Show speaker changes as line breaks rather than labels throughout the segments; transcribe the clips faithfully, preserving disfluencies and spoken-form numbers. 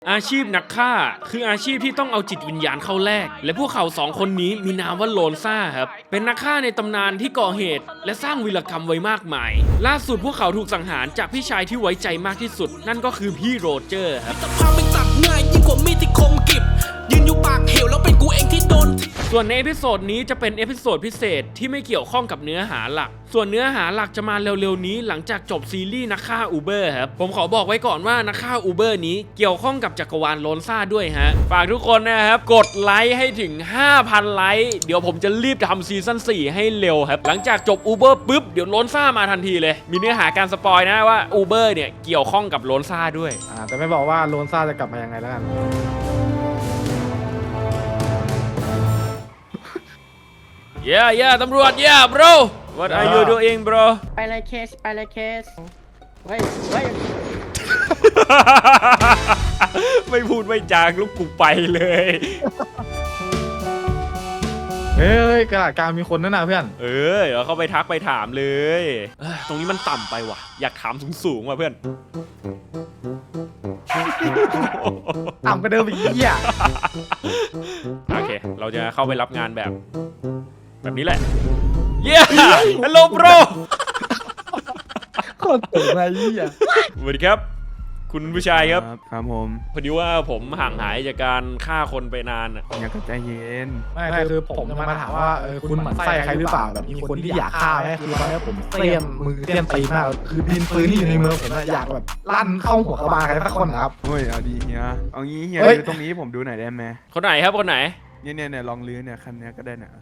อาชีพนักฆ่าคืออาชีพที่ต้องเอาจิตวิญญาณเข้าแลกและพวกเขาสองคนนี้มีนามว่าโลนซ่าครับเป็นนักฆ่าในตำนานที่ก่อเหตุและสร้างวีรกรรมไว้มากมายล่าสุดพวกเขาถูกสังหารจากพี่ชายที่ไว้ใจมากที่สุดนั่นก็คือพี่โรเจอร์ครับยืนอยู่ปากเหวแล้วเป็นกูเองที่โดนส่วนในเอพิโซดนี้จะเป็นเอพิโซดพิเศษที่ไม่เกี่ยวข้องกับเนื้อหาหลักส่วนเนื้อหาหลักจะมาเร็วๆนี้หลังจากจบซีรีส์นักฆ่าอูเบอร์ครับผมขอบอกไว้ก่อนว่านักฆ่าอูเบอร์นี้เกี่ยวข้องกับจักรวาลโลนซ่าด้วยฮะฝากทุกคนนะครับกดไลค์ให้ถึง ห้าพัน ไลค์เดี๋ยวผมจะรีบทำซีซั่นสี่ให้เร็วครับหลังจากจบอูเบอร์ปุ๊บเดี๋ยวโลนซ่ามาทันทีเลยมีเนื้อหาการสปอยนะว่าอูเบอร์เนี่ยเกี่ยวข้องกับโลนซ่าด้วย
อ่าแต่ไม่บอกว่าโลนซ่าจะกลับมายังไงแล้วกัน
Yeah, yeah, ตำรวจ Yeah, bro. What are you doing, bro?
ไปเลยเคสไปเลยเคสเฮ้ยเฮ้ย
ไม่พูดไม่จางลูกกูไปเลย
เฮ้ยกระดาษกลางมีคนนั่นนะเพื่อน
เออเดี๋ยวเข้าไปทักไปถามเลยตรงนี้มันต่ำไปว่ะอยากถามสูงๆว่ะเพื่อน
ต่ำกว่าเดิมอีกเหี้ย
โอเคเราจะเข้าไปรับงานแบบแบบนี้แหละ Yeah Hello bro
โคตรตึงเลยเหี้ย
สวัสดีครับคุณผู้ชายครับ
ครับผม
พอดีว่าผมห่างหายจากการฆ่าคนไปนานอ่ะ
อย่ากระใจเย็น
ไม่คือผมจะมาถามว่าเออคุณหมั่นไส้ใครหรือเปล่าแบบมีคนที่อยากฆ่าไหมคือตอนนี้ผมเตรียมมือเตรียมตีมากคือดินปืนที่อยู่ในมือผมอยากแบบลั่นเข้าหัวกระบาลใครสักคนครับ
เฮ้ยเอาดีเฮียเอางี้เฮียดูตรงนี้ผมดูหน่อยได้ไหม
คนไหนครับคนไหน
เนี่ยเนี่ยเนี่ยลองลื้อเนี่ยคันนี้ก็ได้เนี่ย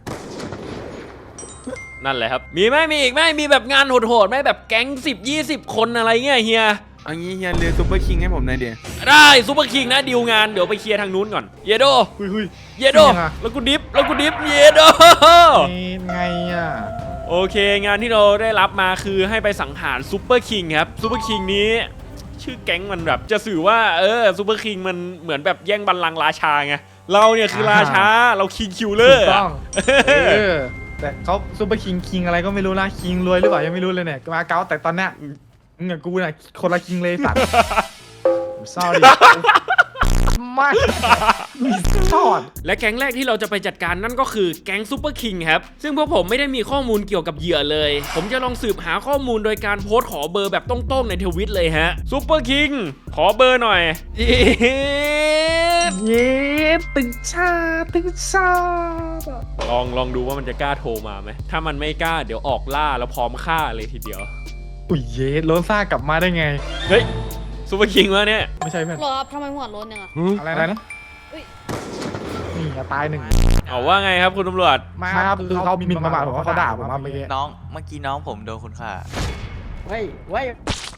นั่นแหละครับมีไหมมีอีกไหมมีแบบงานโหดๆไหมแบบแก๊งสิบยี่สิบคนอะไรเงี้ยเฮีย
เอางี้เฮียเรือซูเปอร์คิงให้ผมหน่อยเดียว
ได้ซูเปอร์คิงนะดีลงานเดี๋ยวไปเคลียร์ทางนู้นก่อนเยโดเยโดแล้วกูดิฟแล้วกูดิฟเยโด
ไงอ่ะ
โอเคงานที่เราได้รับมาคือให้ไปสังหารซูเปอร์คิงครับซูเปอร์คิงนี้ชื่อแก๊งมันแบบจะสื่อว่าเออซูเปอร์คิงมันเหมือนแบบแย่งบัลลังก์ราชาไงเราเนี่ยคือราชาเราคิงคิวเลอร์
ต้องแต่เขาซูเปอร์คิงคิงอะไรก็ไม่รู้นะคิงรวยหรือเปล่ายังไม่รู้เลยเนี่ยมาเก๊าแต่ตอนเนี้ยมึงกับกูเนี่ยคนละคิงเลยสัตว์ sorry ไม่มีทอด
และแก๊งแรกที่เราจะไปจัดการนั่นก็คือแก๊งซูเปอร์คิงครับซึ่งพวกผมไม่ได้มีข้อมูลเกี่ยวกับเหยื่อเลยผมจะลองสืบหาข้อมูลโดยการโพสต์ขอเบอร์แบบตรงๆในทวิตเลยฮะซูเปอร์คิงขอเบอร์หน่อยเย้
เย้ตึงชาตึงชา
ลองลองดูว่ามันจะกล้าโทรมาไหมถ้ามันไม่กล้าเดี๋ยวออกล่าแล้วพร้อมฆ่าเลยทีเดียว
อุ้ยเย้โลนซ่ากลับมาได้ไง
เฮ้ยซูเปอร์คิงวะเนี่ย
ไม่ใช่เพื่อน
หรอครับทำไมหัวโล้นยังอ่ะ
อะไรนะนี่ตายหนึ่ง
เอาว่าไงครับคุณตำรวจ
มาครับคือเขาบินประมาทผมว่าเขาด่าผมมาเมื่อกี้
น้องเมื่อกี้น้องผมโดนคุณฆ่า
เฮ้ยเฮ้ย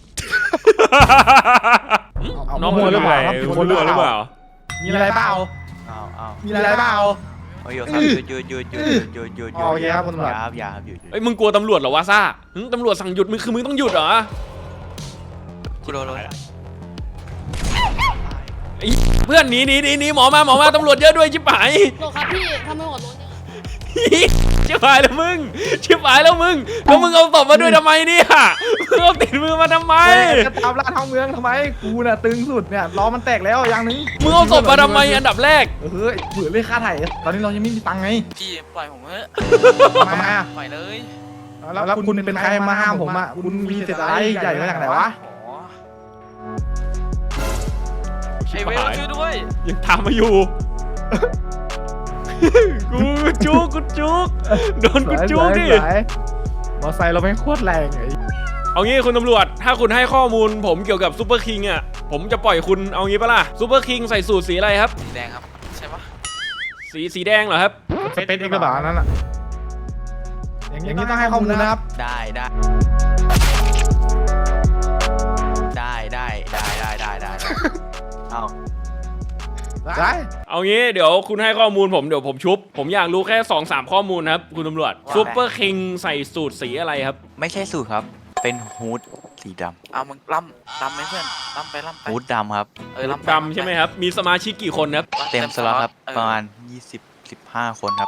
น้องคนหรือเปล่าคนหรือเปล่า
มีอะไรเปล่า
อ้าวอ้าว
มีอะไรเปล่า
โอ้ยครับหยุดหยุดหยุดหยุดหยุดหยุดหยุด
โอเคครับคุณตำรวจ
อย่าครับอย่าครับหยุด
เอ้ยมึงกลัวตำรวจเหรอวะซ่าตำรวจสั่งหยุดมึงคือมึงต้องหยุดเหรอ
กูโดนเลย
เพื่อนหนีหนีหนีหนีหมอมาหมอมาตำรวจเยอะด้วยชิบหาย
โลครับพี่ทำไมหัวโล้นยัง
ชิบหายแล้วมึงชิบหายแล้วมึงแล้วมึงเอาศพมาด้วยทำไมเนี่ยมึงเอาติดมือมาทำไม
จะตามล่าท้องเมืองทำไมกูน่ะตึงสุดเนี่ยล้อมันแตกแล้วอย่างนี้
มึงเอาศพมาทำไมอันดับแรก
เฮ้ยเผื่อเลยค่าไถ่ตอนนี้เรายังไม่มีตังค์ไง
พี่ปล่อยผมเถอะ
มา
ปล่อยเลย
แล้วคุณเป็นใครมาห้ามผมอ่ะคุณมีเศษอะไรใหญ่มาจากไหนวะ
ไอ้เวลช่วยด้วย
ยังตามมาอยู่กูจุกกูจุกโดนกูจุกดิ
มอไซค์เราไม่โคตรแรงไอ้
เอางี้คุณตำรวจถ้าคุณให้ข้อมูลผมเกี่ยวกับซูเปอร์คิงอ่ะผมจะปล่อยคุณเอางี้ปะล่ะซูเปอร์คิงใส่สูทสีอะไรครับ
สีแดงครับใช่ปะ
สีสีแดงเหรอครับ
สเปซเอ็กซ์กระบะนั้นอ่ะอย่างนี้ต้องให้ข้อมูลนะครับ
ได้ได้ได้ได้ได้ได้ได้ได้เอา
ได้
เอางี้เดี๋ยวคุณให้ข้อมูลผมเดี๋ยวผมชุบผมอยากรู้แค่ สองถึงสาม ข้อมูลครับคุณตำรวจซูเปอร์คิงใส่สูทสีอะไรครับ
ไม่ใช่สูทครับเป็นฮูดสีดำเอามึงล่ำล่ำไหมเพื่อนล่ำไปล่ำไปฮูดดำครับ
เออดำใช่ไหมครับมีสมาชิกกี่คนครับ
เต็มสล็อตครับประมาณยี่สิบ สิบห้าคนครับ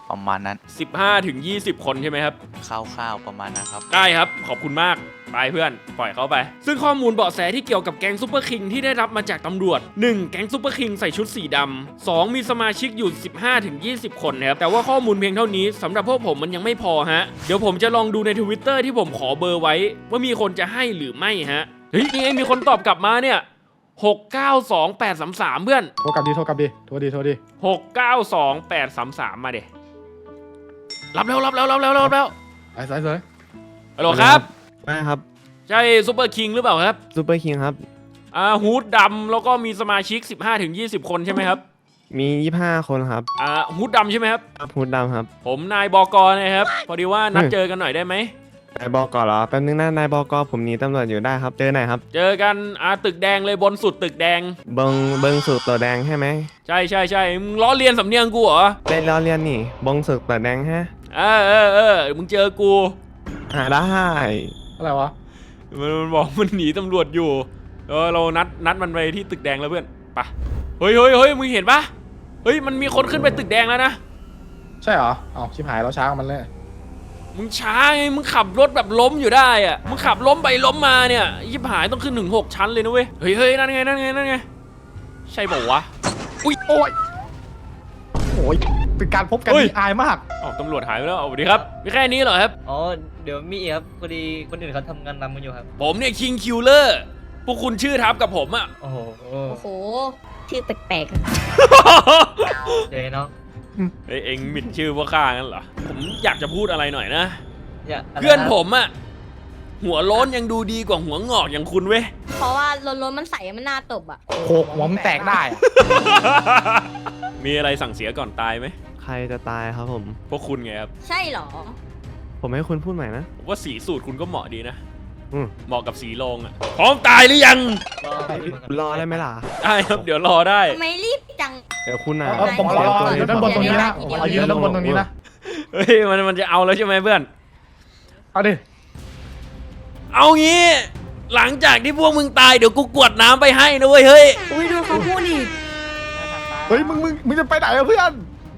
ประมาณนั้น
สิบห้าถึงยี่สิบคนใช่ไหมครับ
คร่าวๆประมาณนั้นครับ
ได้ครับ ขอบคุณมาก ไปเพื่อน ปล่อยเขาไป ซึ่งข้อมูลเบาะแสที่เกี่ยวกับแก๊งซูเปอร์คิงที่ได้รับมาจากตำรวจ หนึ่ง แก๊งซูเปอร์คิงใส่ชุดสีดำ สอง มีสมาชิกอยู่ สิบห้าถึงยี่สิบ คนนะครับ แต่ว่าข้อมูลเพียงเท่านี้สำหรับพวกผมมันยังไม่พอฮะ เดี๋ยวผมจะลองดูใน ทวิตเตอร์ ที่ผมขอเบอร์ไว้ ว่ามีคนจะให้หรือไม่ฮะ เฮ้ยนี่ไงมีคนตอบกลับมาเนี่ย หก เก้า สอง แปด สาม สาม เพื่อน
โทรกลับดีโทรกลับดีโทรดีโทรดี
หก เก้า สอง แปด สาม สาม มาเดรับแล้วรับแล้วรับแล้วรับแล้ว
ไอ้สายสาย
ฮัลโหลครับ
ไม่ครับ
ใช่ซูเปอร์คิงหรือเปล่าครับ
ซูเปอร์คิงครับ
อ่าฮูดดำแล้วก็มีสมาชิก สิบห้าถึงยี่สิบ คนใช่ไหมครับ
มียี่สิบห้าคนครับ
อ่าฮูดดำใช่ไหมครับ
พูดดำครับ
ผมนายบกนะครับ พอดีว่านัด
เฮ้ย
เจอกันหน่อยได้ไหม
นายบอกเหรอแป๊บนึงนะนายบอกผมหนีตำรวจอยู่ได้ครับ เจอไหนครับ
เจอกันอ่าตึกแดงเลยบนสุดตึกแดง
เบิงเบิงสุดตัวแดงใช่ไหม
ใช่ใช่ใช่มึงล้อเลียนสำเนียงกูเหรอ
ได้ล้อเลียนนี่บงสุดตัวแดงฮะ
เออเออเออมึงเจอกู
หาได้
อะไรวะ
มันมันบอกมันหนีตำรวจอยู่เออเรานัดนัดมันไปที่ตึกแดงแล้วเพื่อนไปเฮ้ยเฮ้ยเฮ้ยมึงเห็นปะเฮ้ยมันมีคนขึ้นไปตึกแดงแล้วนะ
ใช่เหรอเอ้าชิบหายเราช้ากับมันเลย
มึงช้าไง มึงขับรถแบบล้มอยู่ได้อะมึงขับล้มไปล้มมาเนี่ยยิบหายต้องขึ้นถึงหกชั้นเลยนะเว้ย เฮ้ยเฮ้ยนั่นไง นั่นไง นั่นไง ใช่เปล่าวะ อุ้ย
โอ้ยโอ้ยเป็นการพบกัน
เฮ้ย
ที่อายมาก
อ๋อตำรวจหายไปแล้วเอาสวัสดีครับมีแค่นี้เหรอครับ
อ๋อ เดี๋ยวมีอีกครับพอดีคนอื่นเขาทำงานนำกันอยู่ครับ
ผมเนี่ยคิงคิวเลอร์ พวกคุณชื่อทับกับผมอะ
โอ้โห
โอ้โห ชื่อแปลกๆอะ
เดี๋ยวน้อง
เฮ้ยเอ็งหมิ่นชื่อพวกข้างั้นเหรอ ผมอยากจะพูดอะไรหน่อยนะ
อย่าะไร
เพื่อน
ครับ
ผมอะหัวโล้นยังดูดีกว่าหัวงอกอย่างคุณเว้ย
เพราะว่าล้นๆมันใสมันน่าตบอ่ะ
โขกหัวมันแตกได้อะ
มีอะไรสั่งเสียก่อนตายไหม
ใครจะตายครับผม
พวกคุณไงครับ
ใช่เหรอ
ผมให้คุณพูดใหม่นะ
ผมว่าสีสูตรคุณก็เหมาะดีนะ
อืม
เหมาะกับสีโลงอะพร้อมตายหรือยัง
รอพี่มึงก่อน
รอได้ไหมล่ะ
ได้ครับ เดี๋ยวรอได้
ทำไมรีบจัง
เดี๋ยวคุณน่ะ
เออผมรอ
เต
อ
รียมตัว
ยู่ด้านบนตรงนี้นะผมขอยืนด้านบนตรงนี้นะ
เฮ้ยมันมันจะเอาแล้วใช่ไหมเพื่อน
เอาดิ
เอางี้ หลังจากที่พวกมึงตายเดี๋ยวกูกวดน้ำไปให้นะเว้ยเฮ้ย
อุ้ยดูเขาพูดดิ
เฮ้ยมึงมึงมึงจะไปไหนอะเพื่อน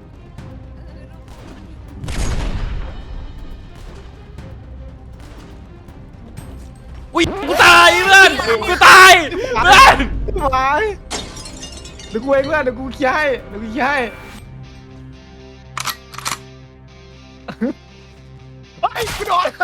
อุ้ยกูตายเพื่อนกูตายเพื่อน
ไปเดี๋ยวกูเองเพื่อนเดี๋ยวกูเคลียร์ให้เดี๋ยวกูเคลียร์ให้เฮ้ยกูโดน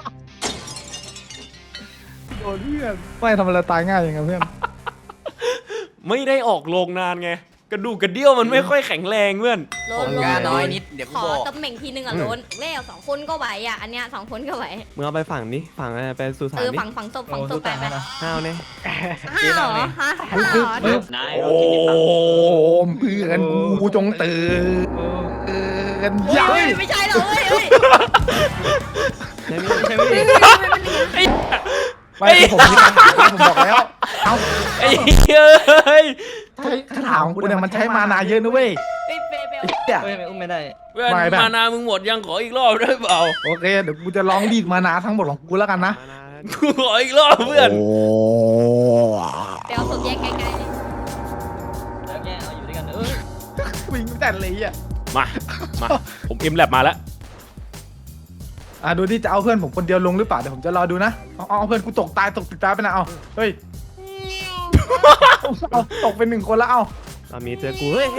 โดนเพื่อนไม่ทำอะไรตายง่ายอย่างเงี้ยเพื่อน
ไม่ได้ออกโรงนานไงกระดูกกระเดี่ยวมันไม่ค่อยแข็งแรงเพื่อน
โล
ผม
นโล
กล้าน น้อยนิดเดี๋ยว
ข
กู
อ
บอก
ตำแหน่งทีนึงอ่ะโลนเล่สองคนก็ไหวอ่ะ อันเนี้ยสองคนก็ไหว
มึงเอาไปฝั่งนี้ฝั่งอะไรไปสุสาน
เออ
ดิ
ฝั่งฝั่งศพฝั่งศ
สู้
พไป
ตาย
ไป
แล้วนะ
ห้าวเนี่ย
ห้าวเหรอฮะห้าวเหรอ
นาย
โอ้มเพื่อนกูจงตื่นยั
เฮ้
ย
ยไม่ใช่เหรอเฮ้ยเฮ้ย
ใช่ไหม
ใช่ไหมพี่
ไอ้
ไม่คือผมมีคำถามผมบอกแล้วเอ้า
ไอ้เฮ้ย
ใช้คาถาของกูเนี่ยมันใช้มานาเยอะนะเว้ย
เฮ้ยเปเป
ไอ้เหี้ย
เฮ้ยทำไมอุ้มไม่ได้
เพื่อน
ไม่แบบ
มานามึงหมดยังขออีกรอบได้เปล่า
โอเคเดี๋ยวกูจะลองดีดมานาทั้งหมดของกูแล้วกันนะ
มานาแล้ว
กูขออีกรอบเพื่อน
เปเอาศพแยกไกลๆเลย
แล้วแกเอาอยู่ด้วยกันเออ
วิ่งแต่เลยอ่ะ
มามาผมเอ็มแลบมาแล้ว
อ่ะดูที่จะเอาเพื่อนผมคนเดียวลงหรือเปล่าเดี๋ยวผมจะรอดูนะเอาเอาเอาเพื่อนกูตกตายตกติดตายไปนะเอาเฮ้ยเอาตกเป็นหนึ่งคนแล้วเอา
ตอนนี้เจอกูเฮ้ย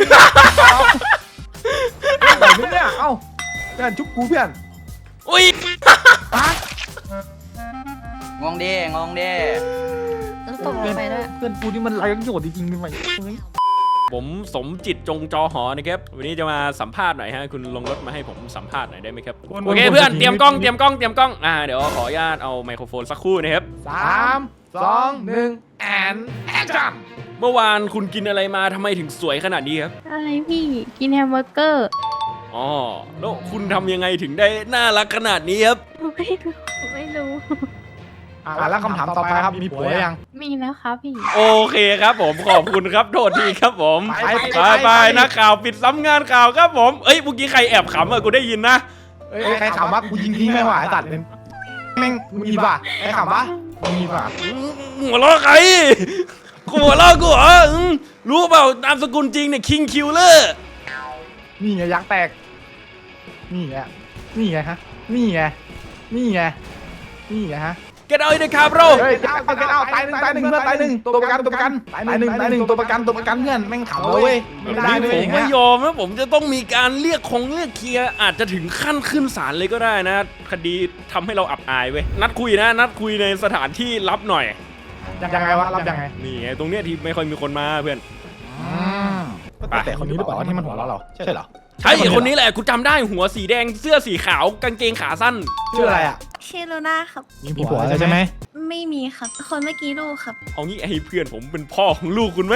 ไหนเนี่ยเอาเพื่อนชุบกูเพื่อน
อุ้ย
อ่ะ
งงดิงงดิ
แล้วศพลงไปด้วย
เพื่อนกูนี่มันไรกันโยชน์จริงๆเลยเฮ้ย
ผมสมจิตจงจอหอนะครับวันนี้จะมาสัมภาษณ์หน่อยฮะคุณลงรถมาให้ผมสัมภาษณ์หน่อยได้ไหมครับโอเคเพื่อนเตรียมกล้องเตรียมกล้องเตรียมกล้องอ่าเดี๋ยวขออนุญาตเอาไมโครโฟนสักครู่นะครับ
สามสองหนึ่งแอนแอคชั่น
เมื่อวานคุณกินอะไรมาทำไมถึงสวยขนาดนี้ครับ
อะไรพี่กินแฮมเบอร์เกอร์
อ๋อแล้วคุณทำยังไงถึงได้น่ารักขนาดนี้ครับ
ไม่รู้ไม่รู้
อ่ะแล้วคำถามต่อไปครับมีผัวยัง
มีแล้วครับพี่
โอเคครับผมขอบคุณครับโทษทีครับผม
ไป
ไป
ไป
ไปนักข่าวปิดซ้ำงานข่าวครับผมเอ้ยเมื่อกี้ใครแอบขำอะกูได้ยินนะ
เอ้ยใครถามว่ากูยิงทิ้งไม่ไหวไอ้สัตว์เป็นแม่งมีป่ะใครถามว่ามีป่ะ
หัวเราะใครกูหัวเราะกูเหรออืมรู้เปล่านามสกุลจริงเนี่ยคิงคิวเลอร์
นี่ไงยักษ์แตกนี่ไงนี่ไงฮะนี่ไงนี่ไงนี่ไงฮะ
Get out of the car bro
เฮ้ยเอาเอาเอาตายหนึ่งตายหนึ่งเพื่อนตายหนึ่งตัวประกันตัวประกันตายหนึ่งตายหนึ่งตัวประกันตัวประกันเพื่อนแม่งขำเลยเว้ยไม่ได้เลย
ผมไม่ยอมนะผมจะต้องมีการเรียกคงเรียกเคลียร์อาจจะถึงขั้นขึ้นศาลเลยก็ได้นะ คดีทำให้เราอับอายเว้ยนัดคุยนะนัดคุยในสถานที่ลับหน่อย
ยังไงวะรับยังไง
นี่ไงตรงเนี้ยที่ไม่ค่อยมีคนมาเพื่อน
แต่คนนี้หรือเปล่าที่มันหัวเราะเราใช่เหรอ
ใช่คนนี้แหละกูจำได้หัวสีแดงเสื้อสีขาวกางเกงขาสั้น
ชื่ออะไรอ่ะ
ชื่อลูน่าครับ
มีผัวใช่ไหม
ไม่มีครับ คนเมื่อกี้ลูกครับ
เอางี้ไอ้เพื่อนผมเป็นพ่อของลูกคุณไหม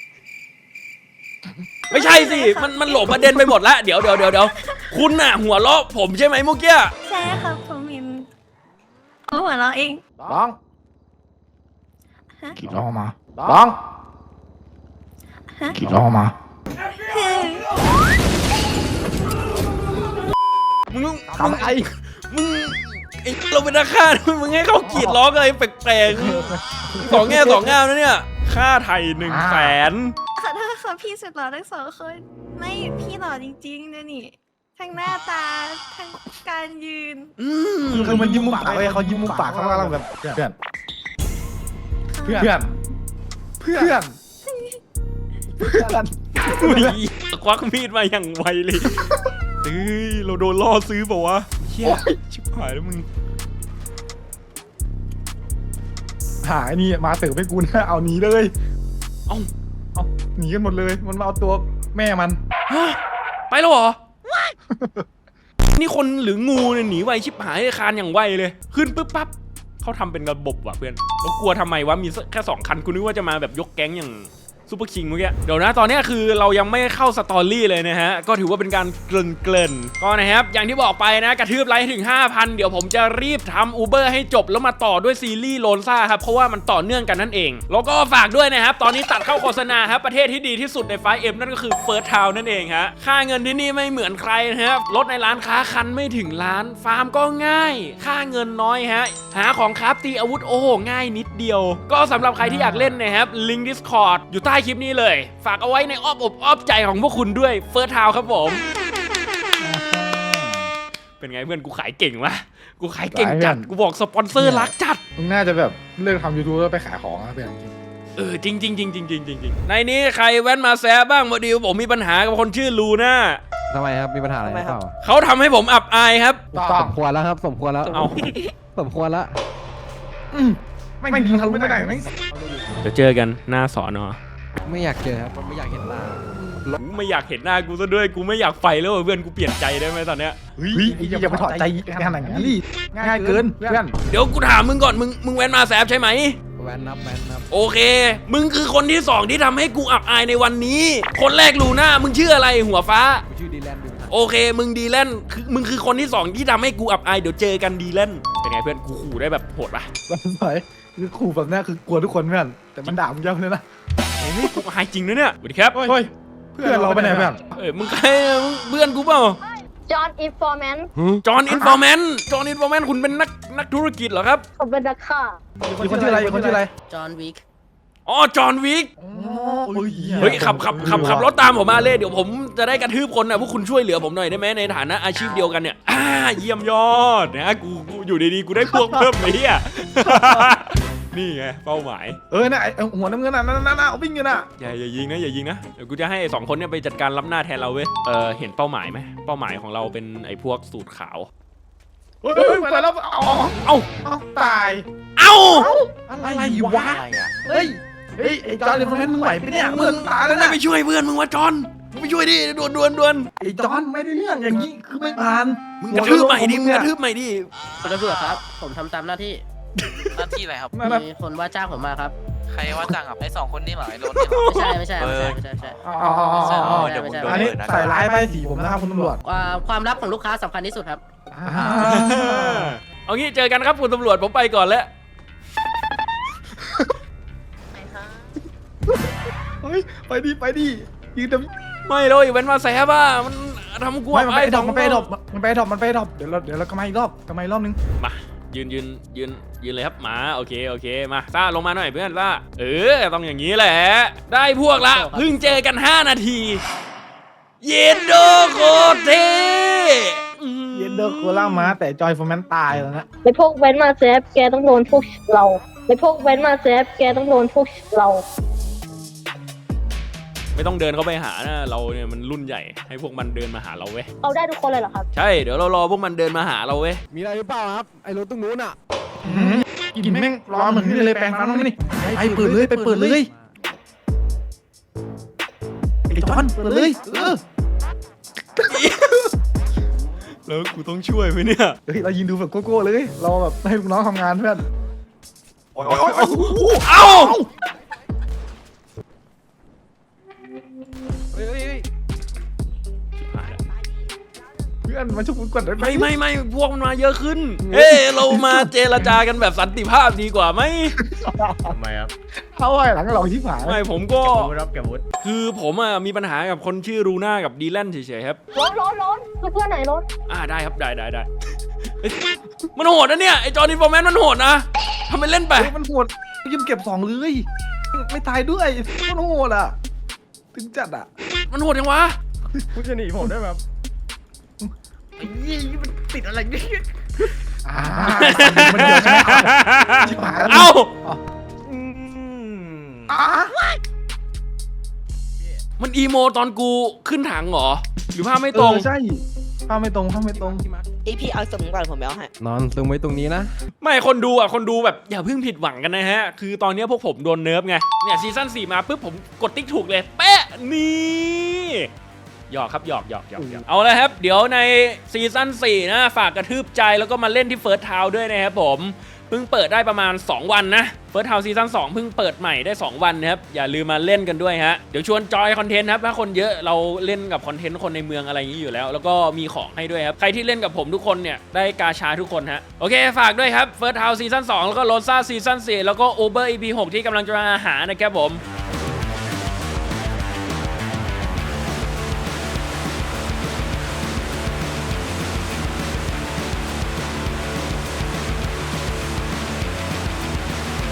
ไม่ใช่สิมันมันหลบประเด็นไปหมดแล้วเดี๋ยวเดี๋ยวเดี๋ยวเดี๋ยวคุณน่ะหัวเราะผมใช่ไหมเมื่อกี้
ใช่ครับผมเห็นโอ้หัวเราะเอง
ร้อง
ฮะ
ขีดร้องมาร้อง
ฮะ
ขีดร้องมา
คือ
มึงมึง
ทำไอ
มึงไอ้เราเป็นนักฆ่ามึงให้เขากรีดร้องอะไรแปลกๆสองแง่สองงามนะเนี่ยค่าไทยหนึ่งแสน
ขอโทษครับพี่สุดหล่อทั้งสองคน ไม่พี่หล่อจริงๆนะนี่ ทั้งหน้าตา ทั้งการยืน
คือมันยิ้มมุมปากเว้ยเขายิ้มมุมปากเขากำลังแบบเพื่อนเพื่อนเพื่อนเพื่อนเพื่อน
อุ๊ยควักมีดมาอย่างไวเลยเฮ้ยเราโดนล่อซื้อเปล่าวะเฮียชิบหายแล้วมึง
หายนี่มาเสิร์ฟให้กูนะเอาหนีเลย
เอ้า
เอาหนีกันหมดเลยมันมาเอาตัวแม่มัน
ฮะไปแล้วเหรอ นี่คนหรืองูเนี่ยหนีไวชิบหายคานอย่างไวเลย ขึ้นปุ๊บปั๊บเขาทำเป็นระบบว่ะเพื่อนเรากลัวทำไมวะมีแค่สองคันกูนึกว่าจะมาแบบยกแก๊งอย่างซูเปอร์คิงเมื่อกี้เดี๋ยวนะตอนนี้คือเรายังไม่เข้าสตอรี่เลยนะฮะก็ถือว่าเป็นการเกริ่นเกริ่นก็นะครับอย่างที่บอกไปนะกระทืบไลค์ถึง ห้าพัน เดี๋ยวผมจะรีบทำอูเบอร์ให้จบแล้วมาต่อด้วยซีรีส์โลนซ่าครับเพราะว่ามันต่อเนื่องกันนั่นเองแล้วก็ฝากด้วยนะครับตอนนี้ตัดเข้าโฆษณาครับประเทศที่ดีที่สุดในไฟเอ็มนั่นก็คือเฟิร์สทาวน์นั่นเองฮะค่าเงินที่นี่ไม่เหมือนใครนะครับรถในร้านค้าคันไม่ถึงล้านฟาร์มก็ง่าย ค่าเงินน้อยฮะหาของคราฟตีอาวุธโอ้โหง่ายนิดเดียวก็สำหรับใครที่อยากเล่นนะครับลิงก์ Discord อยู่ใต้คลิปนี้เลยฝากเอาไว้ในอ้อมอกอ้อมใจของพวกคุณด้วยเฟิร์สทาวน์ครับผมเป็นไงเพื่อนกูขายเก่งวะกูขายเก่งจัดกูบอกสปอนเซอร์รักจัด
มึงน่าจะแบบเลิกทำยูทูบแล้วไปขายของนะเพื่อนจริง
เออจริงจริงจริงจริงจริงจริงจริงในนี้ใครแว้นมาแซะบ้างพอดีผมมีปัญหากับคนชื่อลูน่า
ทำไมครับ มีปัญหาอะไรหรือเปล่า
เขาทำให้ผมอับอายครับ
ถูกต้อง
สมควรแล้วครับ สมควรแล้ว
เอา
สมควรแล้ว
ไม่ยิงทะลุไม่ได้ไม่
จะเจอกันหน้าสอนอ
ไม่อยากเจอครับมันไม่อยากเห็นหน้า
กูไม่อยากเห็นหน้ากูซะด้วยกูไม่อยากไฟแล้วเพื่อนกูเปลี่ยนใจได้ไหมตอนเนี้ย
เฮ้ยอย่าไปถอดใจขนาดนั้นดิง่ายเกินเพื่อน
เดี๋ยวกูถามมึงก่อนมึงมึงแว้นมาแซะใช่ไหม
แวนนับแวนนับ
โอเค มึงคือคนที่สองที่ทำให้กูอับอายในวันนี้ คนแรกลูน่ามึงชื่ออะไรหัวฟ้า
กูชื่อดีแลนด์ดูนะ
โอเค มึงดีแลนคือมึงคือคนที่สองที่ทำให้กูอับอายเดี๋ยวเจอกันดีแลนเป็นไงเพื่อนกูขู่ได้แบบโหดปะ
สวยคือขู่แบบนี้คือกลัวทุกคนเพื่อนแต่มันด่ามึงเยอะเลยนะ
เฮ้ยกูอายจริงนะเนี่ยสวัสดีครับ
เฮ้ยเพื่อนเราไปไหนเพื่อน
เอ้ยมึงใครอะมึงเพื่อนกูเปล่า
จอห์นอินฟอร์แมน
จอห์นอินฟอร์แมนจอห์นอินฟอร์แมนคุณเป็นนักนักธุรกิจเหรอครับ
ผมเป็นนักฆ่า
มีคนชื่ออะไรคนชื่ออะไร
จอห์นวิก
อ๋อจอห์นวิก
โอ้ย
เฮ้ยขับขับขับขับรถตามผมมาเลยเดี๋ยวผมจะได้กระทืบคนนะพวกคุณช่วยเหลือผมหน่อยได้ไหมในฐานะอาชีพเดียวกันเนี่ยอ่าเยี่ยมยอดนะกูกูอยู่ดีๆกูได้พวกเพิ่มไปเฮีย นี่ไงเป้าหมาย
เออน่ะไอ้หัวน้ำเงินน่ะนั่นน่ะเอาวิ่งอยู่น่ะ
อย่าอย่ายิงนะอย่ายิงนะเดี๋ยวกูจะให้ไอ้สองคนเนี่ยไปจัดการรับหน้าแทนเราเว้ยเออเห็นเป้าหมายไหมเป้าหมายของเราเป็นไอ้พวกสูตรขาว
เฮ้ยไปแล้วอ๋อ
เอ้า
ตาย
เอ้า
อะไรวะเฮ้ยเฮ้ยไอ้จอนเดี๋ยวมึงไหวไปเนี่ยมึงตายแล้ว
ไม่
นะ
ไปช่วยเพื่อนมึงวะจอนมึงไปช่วยดิด่วนด่วนด่วน
ไอ้จอนไม่ได้เรื่องอย่างนี้คือไม่ผ่าน
มึงกระทืบใหม่ดิมึงกระทืบใหม่ดิ
คุณตำรวจครับ ผมทำตามหน้าที่
หน้าที่อะไรครับ
มีคนว่าจ้างผมมาครับ
ใครว่าจ้างครับไอ้สองคนนี่เหรอไอ้โดนนี่เหรอ
ไม่ใช่ไม่ใช่ไม่ใช่ไม่ใช่ไม่ใช่
อ๋ออ๋ออ๋อ
เดี๋ยวผมโดน
อันนี้ใส่ร้ายไปสีผมนะครับคุณตำรวจ
อ่าความลับของลูกค้าสำคัญที่สุดครับ
เอางี้เจอกันครับคุณตำรวจผมไปก่อนแล้ว
เฮ้ยไปดิไปดิยืนด
ไม่เลยเว้นมาแสบอ่ะมันทำกู
ไม่มันไปด
ส
อกมันไปดอกมันไปดอกมันไปดอกเดี๋ยวเราเดี๋ยวเราก็มาอีกรอบก็มาอีกรอบนึง
มายืนยืนยืนยืนเลยครับมาโอเคโอเคมาซ่าลงมาหน่อยเพื่อนซ่าเออต้องอย่างนี้แหละได้พวกละเพิ่งเจอกันห้านาทีเย็นโดโคเทอื
เดอร์โคล่ามาแต่จอยฟอร์แมนตายแล้วนะ
ไอพวกแว้นมาเซฟแกต้องโดนพวกเราไอพวกแว้นมาเซฟแกต้องโดนพวกเรา
ไม่ต้องเดินเข้าไปหานะเราเนี่ยมันรุ่นใหญ่ให้พวกมันเดินมาหาเราเว้ย
เอาได้ทุกคนเลยเหรอครับ
ใช่เดี๋ยวเรารอพวกมันเดินมาหาเราเว้ย
มีอะไรหรือเปล่าครับ ไอ้รถตรงนู้นอ่ะ
กินแม่งร้อนเหมือนนี่เลยแปลงฟันน้องนี่ไปเปิดเลยไปเปิดเลยไอ้จอนเปิดเลยเออ
แล้วกูต้องช่วยไหมเนี่ย
เฮ้ยเรายินดูแบบโก้ๆเลยเราแบบให้ลูกน้องทำงานเพื่อน
โอ้ยโอ้ยโอ้ย
เอ้า
เฮ้ยเฮ้ยเฮ้ย
เพื่อนมาช่วยผมก่อนได้ไหม
ไม่ไม่ไม่พวกมันมาเยอะขึ้น เฮ้ยเรามาเจรจากันแบบสันติภาพดีกว่าไหม
ทำไมครับ
เข้าไอ้หลังเราที่ผาย
ไม่ผมก็
วุฒิรับแกวุฒิ
คือผมอะมีปัญหากับคนชื่อรูน่ากับดีแลนเฉยๆครับ
ร้อนร้อนร้อนเพื่อนไหนร้อน
อ่าได้ครับได้ได้ได้เอ้ยมันโหดนะเนี่ยไอจอร์ดินฟอร์แมนมันโหดนะทำไมเล่นไป
เฮ้ยมันโหดยิมเก็บสองเลยไม่ตายด้วยมันโหดอ่ะถึงจัดอ่ะ
มันโหดยังวะ
คุณจะหนีผมได้ไหมครับ
อ่ามันเดือดใช่ไหมชิบหายแล้ว
เอ้า
อืม
อ่า
มันอีโมตอนกูขึ้นถังเหรอหรือภาพไม่ตรง
เออใช่ภาพไม่ตรงภาพไม่ตรง
ไอพี่เอาสมุนก่อนผมเอาให้
นอนซึงไว้ตรงนี้นะ
ไม่คนดูอ่ะคนดูแบบอย่าเพิ่งผิดหวังกันนะฮะคือตอนนี้พวกผมโดนเนิร์ฟไงเนี่ยซีซั่นสี่มาปุ๊บผมกดติ๊กถูกเลยเป๊ะนี่หยอกครับหยอกหยอกหยอกหยอกเอาละครับเดี๋ยวในซีซั่นสี่นะฝากกระทืบใจแล้วก็มาเล่นที่เฟิร์สทาวด้วยนะครับผมเพิ่งเปิดได้ประมาณสองวันนะเฟิร์สทาวซีซั่นสองเพิ่งเปิดใหม่ได้สองวันนะครับอย่าลืมมาเล่นกันด้วยฮะเดี๋ยวชวนจอยคอนเทนต์ครับถ้าคนเยอะเราเล่นกับคอนเทนต์คนในเมืองอะไรอย่างนี้อยู่แล้วแล้วก็มีของให้ด้วยครับใครที่เล่นกับผมทุกคนเนี่ยได้กาชาทุกคนฮะโอเคฝากด้วยครับเฟิร์สทาวซีซั่นสองแล้วก็โรซ่าซีซั่นสี่แล้วก็โอเบอร์ อี พี หกที่กำลังจะมาหานะครับผม